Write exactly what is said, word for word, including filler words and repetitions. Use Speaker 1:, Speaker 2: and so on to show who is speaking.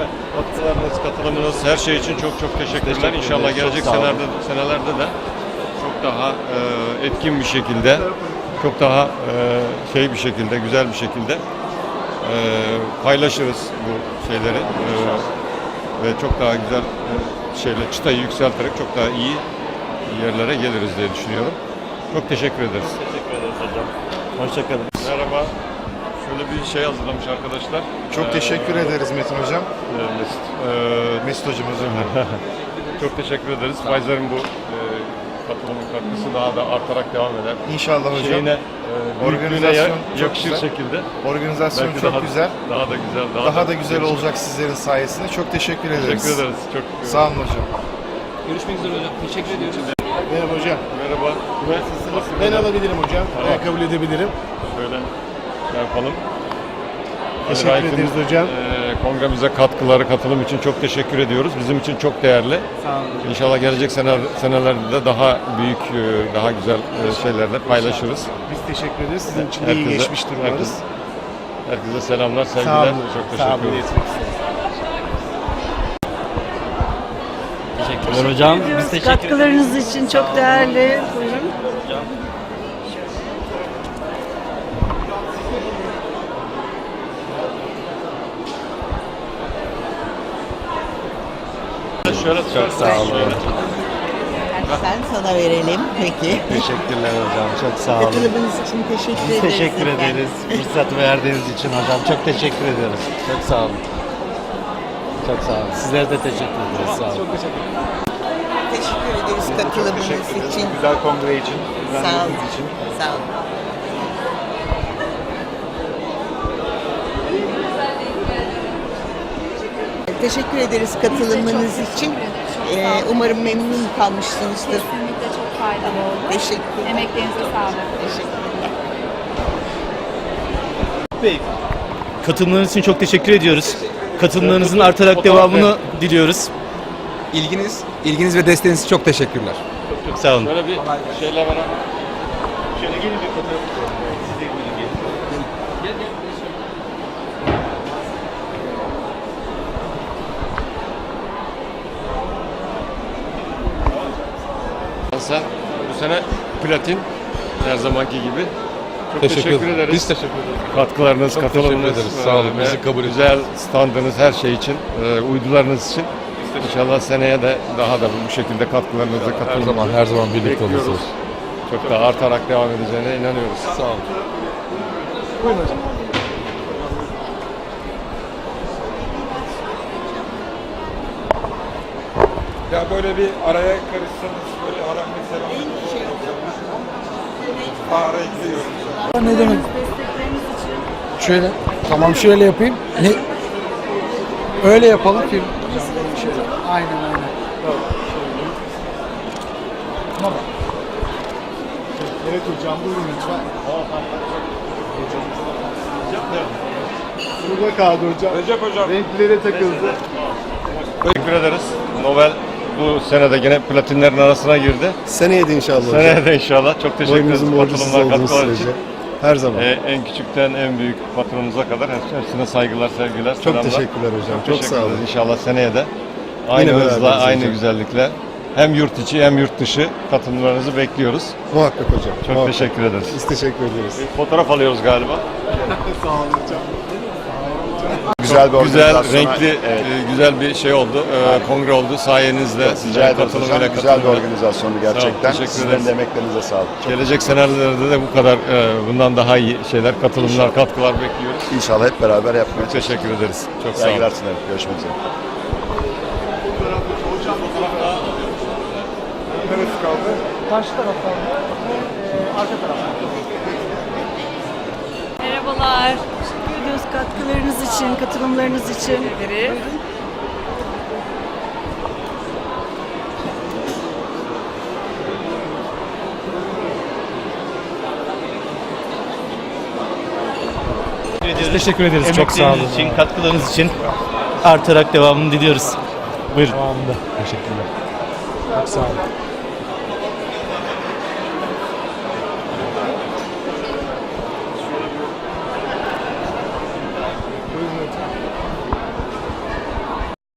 Speaker 1: katkılarınız, katılımınız, her şey için çok çok teşekkürler. Teşekkür İnşallah gelecek senelerde, senelerde de çok daha e, etkin bir şekilde, çok daha e, şey bir şekilde, güzel bir şekilde e, paylaşırız bu şeyleri e, ve çok daha güzel e, şeyle çıtayı yükselterek çok daha iyi yerlere geliriz diye düşünüyorum. Çok teşekkür ederiz.
Speaker 2: Teşekkür ederiz hocam. Hoşçakalın.
Speaker 1: Merhaba. Şöyle bir şey hazırlamış arkadaşlar.
Speaker 3: Çok teşekkür
Speaker 1: ee,
Speaker 3: ederiz Metin Hocam.
Speaker 1: E, Mesut. Ee,
Speaker 3: Mesut Hocam özür dilerim.
Speaker 1: çok teşekkür ederiz. Pfizer'in bu e, katılımın katkısı daha da artarak devam eder.
Speaker 3: İnşallah hocam.
Speaker 1: Şeyine, e,
Speaker 3: Organizasyon çok
Speaker 1: yakışır
Speaker 3: güzel.
Speaker 1: şekilde.
Speaker 3: Organizasyon
Speaker 1: Belki
Speaker 3: çok
Speaker 1: daha,
Speaker 3: güzel.
Speaker 1: Daha da güzel. Daha,
Speaker 3: Daha da güzel olacak sizlerin sayesinde. Çok teşekkür ederiz.
Speaker 1: Teşekkür ederiz. Çok
Speaker 3: Sağ olun hocam.
Speaker 4: Görüşmek üzere hocam. Teşekkür ediyoruz.
Speaker 3: Merhaba hocam.
Speaker 1: Merhaba.
Speaker 3: Ben alabilirim hocam.
Speaker 1: Tamam.
Speaker 3: Ben kabul edebilirim.
Speaker 1: Şöyle şey yapalım.
Speaker 3: Teşekkür
Speaker 1: Ali Raif'in,
Speaker 3: ederiz hocam.
Speaker 1: E, kongremize katkıları, katılım için çok teşekkür ediyoruz. Bizim için çok değerli.
Speaker 4: Sağ olun.
Speaker 1: İnşallah gelecek sene, senelerde de daha büyük, e, daha güzel e, şeylerle paylaşırız.
Speaker 3: Biz teşekkür ederiz. Sizin için de
Speaker 1: Herkese-
Speaker 3: iyi geçmiştir umarız.
Speaker 1: herkes- Herkese selamlar,
Speaker 3: Sağ
Speaker 1: sevgiler.
Speaker 3: olun.
Speaker 1: Çok
Speaker 3: Sağ
Speaker 1: teşekkür
Speaker 3: olun.
Speaker 1: ederim.
Speaker 3: Yetmek isteriz.
Speaker 2: Teşekkürler hocam. Biz
Speaker 5: ediyoruz.
Speaker 2: teşekkür ederiz.
Speaker 5: Katkılarınız için çok değerli. Buyurun.
Speaker 1: Şöyle çok
Speaker 2: Sağ olun.
Speaker 6: Sen sana verelim peki.
Speaker 2: Teşekkürler hocam. Çok sağ olun.
Speaker 6: Katılımınız için teşekkür
Speaker 2: Biz
Speaker 6: ederiz.
Speaker 2: teşekkür
Speaker 6: efendim.
Speaker 2: ederiz. Fırsat verdiğiniz için hocam. Çok teşekkür ediyoruz. Çok sağ olun. Çok sağ olun. Sizlere de teşekkür ederiz. Sağ olun.
Speaker 6: Teşekkür ederiz katılımınız için.
Speaker 3: Güzel kongre için.
Speaker 6: Sağ olun. Sağ olun. Teşekkür ederiz katılımınız için. Ee, umarım memnun kalmışsınızdır.
Speaker 7: Kesinlikle çok faydalı oldu.
Speaker 6: Teşekkürler.
Speaker 7: Emeklerinize sağlık.
Speaker 6: Teşekkürler.
Speaker 8: Bey, katılımlarınız için çok teşekkür ediyoruz. Katılımlarınızın artarak devamını diliyoruz.
Speaker 4: İlginiz, ilginiz ve desteğiniz için çok teşekkürler.
Speaker 8: Çok sağ olun.
Speaker 1: Şöyle bir şeyle beraber.
Speaker 8: Şöyle gelin bir fotoğraf. Siz de gelin.
Speaker 1: Sen bu sene platin her zamanki gibi. Çok teşekkür, ederiz.
Speaker 3: Biz teşekkür ederiz.
Speaker 1: Katkılarınız, katılımınız,
Speaker 3: teşekkür ederiz. Sağ olun.
Speaker 1: e,
Speaker 3: Bizi
Speaker 1: ve
Speaker 3: kabul
Speaker 1: güzel standınız, her şey için, e, uydularınız için. İnşallah seneye de daha da bu şekilde katkılarınızı,
Speaker 3: Her
Speaker 1: katılımınızı
Speaker 3: zaman her zaman birlikte
Speaker 1: bekliyoruz.
Speaker 3: oluruz.
Speaker 1: Çok daha artarak devam edeceğine inanıyoruz.
Speaker 3: Sağ olun.
Speaker 9: Ya böyle bir araya karışsanız böyle aram mesela ara ekliyorum.
Speaker 10: Ne demek?
Speaker 7: Destekleriniz için
Speaker 10: Şöyle. Tamam şöyle yapayım. Ne? Öyle yapalım ki. Şöyle. Aynen aynen. Tamam.
Speaker 3: Evet hocam buyurun lütfen. Burada kaldı hocam.
Speaker 9: Recep hocam.
Speaker 3: Renklere takıldı.
Speaker 1: Teşekkür ederiz. Nobel bu senede yine platinlerin arasına girdi.
Speaker 3: Seneye de inşallah hocam.
Speaker 1: Seneye de inşallah. Çok teşekkür ederiz
Speaker 3: Boyunuzun borcusuz
Speaker 1: katılımlar,
Speaker 3: olduğunuz
Speaker 1: katkılar
Speaker 3: sürece.
Speaker 1: için.
Speaker 3: Her zaman.
Speaker 1: Ee, en küçükten en büyük patronumuza kadar hepsine saygılar, sevgiler,
Speaker 3: Çok
Speaker 1: selamlar.
Speaker 3: teşekkürler hocam. Çok
Speaker 1: Teşekkür
Speaker 3: sağ olun.
Speaker 1: ederiz. İnşallah seneye de aynı
Speaker 3: Yine
Speaker 1: hızla,
Speaker 3: beraberiz
Speaker 1: aynı
Speaker 3: hocam.
Speaker 1: güzellikle hem yurt içi hem yurt dışı katılımlarınızı bekliyoruz.
Speaker 3: Muhakkak hocam.
Speaker 1: Çok
Speaker 3: muhakkak.
Speaker 1: teşekkür ederiz.
Speaker 3: Biz teşekkür ederiz.
Speaker 1: Fotoğraf alıyoruz galiba.
Speaker 3: Sağ olun hocam. Güzel bir
Speaker 1: Güzel,
Speaker 3: organizasyona-
Speaker 1: renkli,
Speaker 3: Evet.
Speaker 1: e, güzel bir şey oldu. E, kongre oldu sayenizde.
Speaker 3: Rica
Speaker 1: Sizlerin
Speaker 3: ederiz
Speaker 1: katılımıyla
Speaker 3: hocam. Güzel bir
Speaker 1: katılımıyla.
Speaker 3: organizasyondu
Speaker 1: Sağ olun,
Speaker 3: gerçekten.
Speaker 1: teşekkür
Speaker 3: Sizlerin
Speaker 1: ederiz.
Speaker 3: de emeklerinize sağlık. Çok
Speaker 1: Gelecek senelerde de bu kadar, e, bundan daha iyi şeyler, katılımlar, katkılar bekliyoruz.
Speaker 3: İnşallah hep beraber yapmaya çalışacağız.
Speaker 1: Teşekkür ederiz. Çok sağ olun.
Speaker 3: Saygılar sunarım. Görüşmek üzere.
Speaker 9: Neresi kaldı?
Speaker 10: Karşı taraftan da arka taraftan.
Speaker 7: merhabalar.
Speaker 5: Teşekkür ediyoruz katkılarınız için, katılımlarınız için.
Speaker 7: Ederiz.
Speaker 8: Biz teşekkür ederiz. Çok sağ olun. için, katkılarınız için artarak devamını diliyoruz. Buyurun.
Speaker 10: Devamında. Teşekkürler. Çok sağ olun.